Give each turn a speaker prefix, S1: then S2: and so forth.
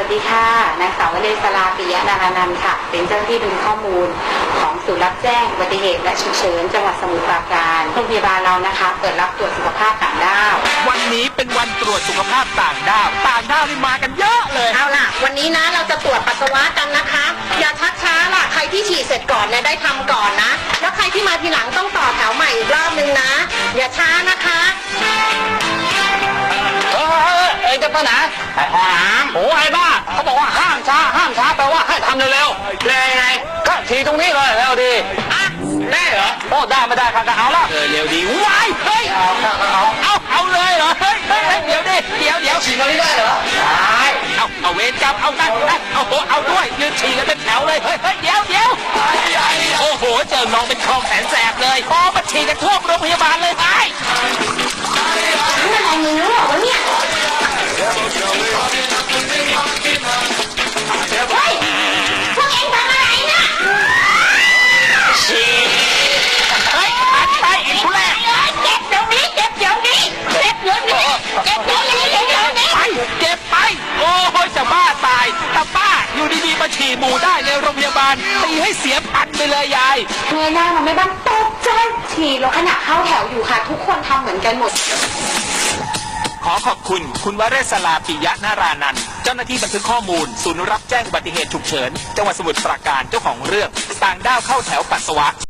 S1: ดีค่ะนางสาววเลศราปิยะนารานันท์ค่ะเป็นเจ้าหน้าที่ดูข้อมูลของศูนย์รับแจ้งอุบัติเหตุและฉุกเฉินจังหวัดสมุทรปราการโรงพยาบาลเรานะคะเปิดรับตรวจสุขภาพต่างด้าว
S2: วันนี้เป็นวันตรวจสุขภาพต่างด้าวนี่มากันเยอะเลย
S3: เอาล่ะวันนี้นะเราจะตรวจปัสสาวะกันนะคะอย่าชักช้าล่ะใครที่ฉีดเสร็จก่อนเนี่ยได้ทำก่อนนะแล้วใครที่มาทีหลังต้องต่อแถวใหม่อีกรอบนึงนะอย่าช้านะคะ
S2: จะไปไหนโอ้ไอ้บ้าเขาบอกว่าห้ามช้าแปลว่าให้ทำเร็วๆเลยไงก็ทีตรงนี้เลยเร็วดีได้เหรอโอ้ได้ไม่ได้ครับเอาละเร็วดีว้ายเฮ้ยเอาเลยเหรอเฮ้ยเดี๋ยวฉีดตรงนี้ได้เหรอได้เอาเวรกรรมเอานั่นเอาด้วยยืนฉีดกันเป็นแถวเลยเฮ้ยเดี๋ยวโอ้โหเจอน้องเป็นคลองแสนแสบเลยพอมาฉีดกันทั่วโรงพยาบาลเลยไอ้
S3: นี่อะไรมึงรู้หรอวะเนี่ยเฮ้ยพวกเอ็งทำอะไรน่ะ
S2: ฉีดเฮ้ยไปอีกทุเรศ
S3: เจ็บเดี๋ยวนี้ไปเจ็บ
S2: ไปโอ้ยจะบ้าตายแต่ป้าอยู่ดีๆมาฉี่หมูได้ในโรงพยาบาลตีให้เสียพันไปเลยยาย
S1: เงยหน้ามาไม่บ้างตกใจฉี่แล้วขณะเข้าแถวอยู่ค่ะทุกคนทำเหมือนกันหมด
S2: ขอขอบคุณวเรศราปิยะนารานันท์เจ้าหน้าที่บันทึกข้อมูลศูนย์รับแจ้งอุบัติเหตุฉุกเฉินจังหวัดสมุทรปราการเจ้าของเรื่องต่างด้าวเข้าแถวปัสสาวะ